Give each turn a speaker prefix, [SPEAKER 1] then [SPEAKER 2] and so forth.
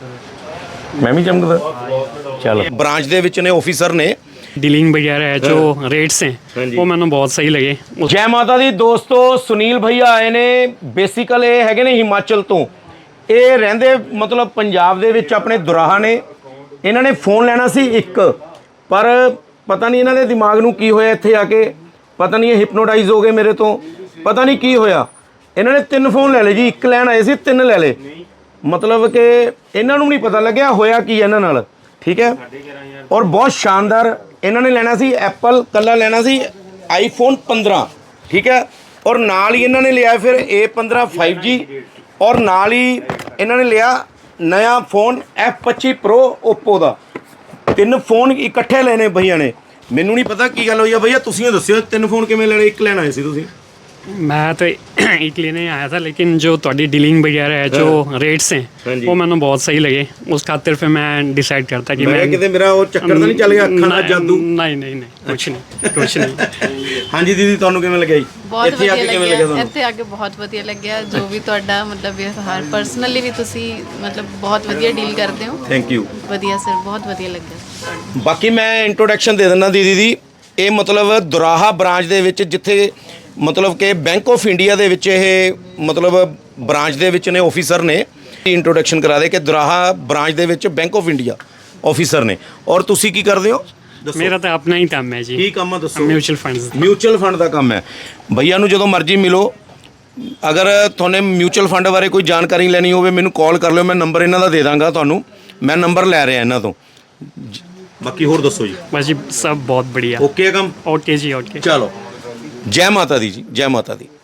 [SPEAKER 1] मैं भी चमकदा चलो ब्रांच ਦੇ ਵਿੱਚ ਨੇ ਆਫੀਸਰ ਨੇ
[SPEAKER 2] डीलिंग वगैरह है जो रेट्स हैं वो मैंने बहुत सही लगे।
[SPEAKER 1] ਜੈ ਮਾਤਾ ਦੀ ਦੋਸਤੋ, ਸੁਨੀਲ ਭਈਆ ਆਏ ਨੇ। ਬੇਸਿਕਲ ਇਹ ਹੈਗੇ ਨੇ ਹਿਮਾਚਲ ਤੋਂ। ਇਹ ਰਹਿੰਦੇ ਮਤਲਬ ਪੰਜਾਬ ਦੇ ਵਿੱਚ ਆਪਣੇ ਦੁਰਾਹਾ ਨੇ। ਇਹਨਾਂ ਨੇ ਫੋਨ ਲੈਣਾ ਸੀ ਇੱਕ, ਪਰ ਪਤਾ ਨਹੀਂ ਇਹਨਾਂ ਦੇ ਦਿਮਾਗ ਨੂੰ ਕੀ ਹੋਇਆ, ਇੱਥੇ ਆ ਕੇ ਪਤਾ ਨਹੀਂ ਇਹ ਹਿਪਨੋਟਾਈਜ਼ ਹੋ ਗਏ ਮੇਰੇ ਤੋਂ, ਪਤਾ ਨਹੀਂ ਕੀ ਹੋਇਆ। ਇਹਨਾਂ ਨੇ 3 ਫੋਨ ਲੈ ਲਏ ਜੀ, ਇੱਕ ਲੈਣ ਆਏ ਸੀ 3 ਲੈ ਲਏ। मतलब कि इन्हों नहीं पता लग्या होया की इन्हां नाल, ठीक है। और बहुत शानदार इन्होंने लेना सी एप्पल, कला लेना सी iPhone 15, ठीक है। और नाल ही इन्होंने लिया फिर A15 5G, और नाल ही इन्होंने लिया नया फ़ोन F25 Pro ओप्पो का। 3 फोन इकट्ठे लेने भैया ने। मैनू नहीं पता की गल होई है भैया, तुसीं दस्सिओ 3 फोन किवें लेने, एक लेना आए सी तुसीं?
[SPEAKER 2] मैं तो एक लेने आया था, लेकिन जो थोड़ी डीलिंग वगैरह है जो रेट्स हैं वो मैंने बहुत सही लगे। उस खातिर फिर मैं डिसाइड करता कि मैं
[SPEAKER 1] किते मेरा वो चक्कर तो नहीं चल गया, अखां दा जादू?
[SPEAKER 2] नहीं नहीं नहीं, कुछ नहीं कुछ नहीं।
[SPEAKER 1] हाँ जी दीदी, तुहानू किवें लग्या जी?
[SPEAKER 3] बहुत ਵਧੀਆ ਲੱਗਿਆ, ਇੱਥੇ ਆ ਕੇ ਬਹੁਤ ਵਧੀਆ ਲੱਗਿਆ। ਜੋ ਵੀ ਤੁਹਾਡਾ ਮਤਲਬ ਵਿਵਹਾਰ ਪਰਸਨਲੀ ਵੀ ਤੁਸੀਂ ਮਤਲਬ ਬਹੁਤ ਵਧੀਆ ਡੀਲ ਕਰਦੇ ਹੋ।
[SPEAKER 1] Thank you.
[SPEAKER 3] ਵਧੀਆ ਸਰ, ਬਹੁਤ ਵਧੀਆ ਲੱਗਿਆ।
[SPEAKER 1] ਬਾਕੀ ਮੈਂ ਇੰਟਰੋਡਕਸ਼ਨ ਦੇ ਦਿੰਦਾ ਦੀਦੀ ਦੀ। ਇਹ ਮਤਲਬ ਦੁਰਾਹਾ ਬ੍ਰਾਂਚ ਦੇ ਵਿੱਚ ਜਿੱਥੇ मतलब कि बैंक ऑफ इंडिया ਦੇ ਵਿੱਚ ਇਹ मतलब ब्रांच ਦੇ ਵਿੱਚ ਨੇ ਆਫੀਸਰ ਨੇ। ਇੰਟਰੋਡਕਸ਼ਨ ਕਰਾ ਦੇ ਕਿ ਦੁਰਾਹਾ ਬ੍ਰਾਂਚ ਦੇ ਵਿੱਚ बैंक ऑफ इंडिया ਆਫੀਸਰ ਨੇ। ਔਰ ਤੁਸੀਂ ਕੀ ਕਰਦੇ ਹੋ?
[SPEAKER 2] मेरा तो अपना ही काम है जी।
[SPEAKER 1] ਕੀ ਕੰਮ ਆ ਦੱਸੋ?
[SPEAKER 2] Mutual funds.
[SPEAKER 1] ਮਿਊਚੁਅਲ ਫੰਡ ਦਾ ਕੰਮ ਹੈ। ਭਈਆ ਨੂੰ ਜਦੋਂ ਮਰਜ਼ੀ ਮਿਲੋ। ਅਗਰ ਤੁਹਾਨੂੰ ਮਿਊਚੁਅਲ ਫੰਡ ਬਾਰੇ ਕੋਈ ਜਾਣਕਾਰੀ ਲੈਣੀ ਹੋਵੇ ਮੈਨੂੰ ਕਾਲ ਕਰ ਲਿਓ, ਮੈਂ ਨੰਬਰ ਇਹਨਾਂ ਦਾ ਦੇ ਦਾਂਗਾ ਤੁਹਾਨੂੰ। ਮੈਂ ਨੰਬਰ ਲੈ ਰਿਹਾ ਇਹਨਾਂ ਤੋਂ। ਬਾਕੀ ਹੋਰ ਦੱਸੋ ਜੀ?
[SPEAKER 2] बस जी सब बहुत बढ़िया।
[SPEAKER 1] ਓਕੇ ਹੈ ਕੰਮ?
[SPEAKER 2] ओके जी ओके।
[SPEAKER 1] ਚਲੋ, जय माता दी जी, जय माता दी।